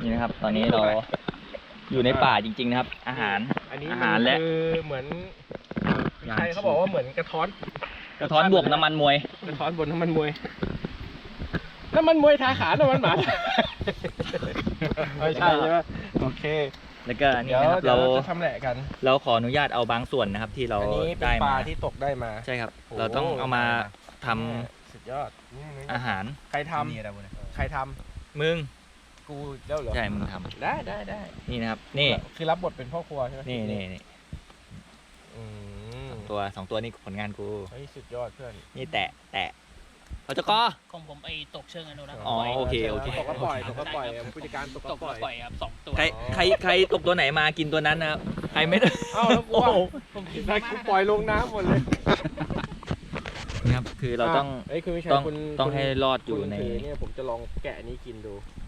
นี่นะครับตอนนี้เราอยู่ในป่าจริงๆนะครับอาหารและเหมือนใครเขาบอกว่าเหมือนกระท้อนบวกน้ำมันมวยกระท้อนบนน้ำมันมวยทาขาน้ำมันหมาไม่ใช่ใช่ไหมโอเคแล้วก็นี่นะครับเราจะทำแหละกันเราขออนุญาตเอาบางส่วนนะครับที่เราได้มาที่ตกได้มาใช่ครับเราต้องเอามาทำสุดยอดอาหารใครทำมึงกูเจ้าเหรอใช่มึงทำได้นี่นะครับนี่คือรับบทเป็นพ่อครัวใช่ไหมนี่สองตัวนี่ผลงานกูเฮ้ยสุดยอดเพื่อนนี่แตะเอาจะกอของผมไอ้ตกเชิงอนุรักษ์อ๋อโอเคตกก็ปล่อยผู้จัดการตกก็ปล่อยครับ2ตัวใครตกตัวไหนมากินตัวนั้นนะครับใครไม่ได้เอ้าแล้วกูว่าผมได้กูปล่อยลงน้ำหมดเลยนะครับคือเราต้องให้รอดอยู่ในเนี่ยผมจะลองแกะนี้กินดู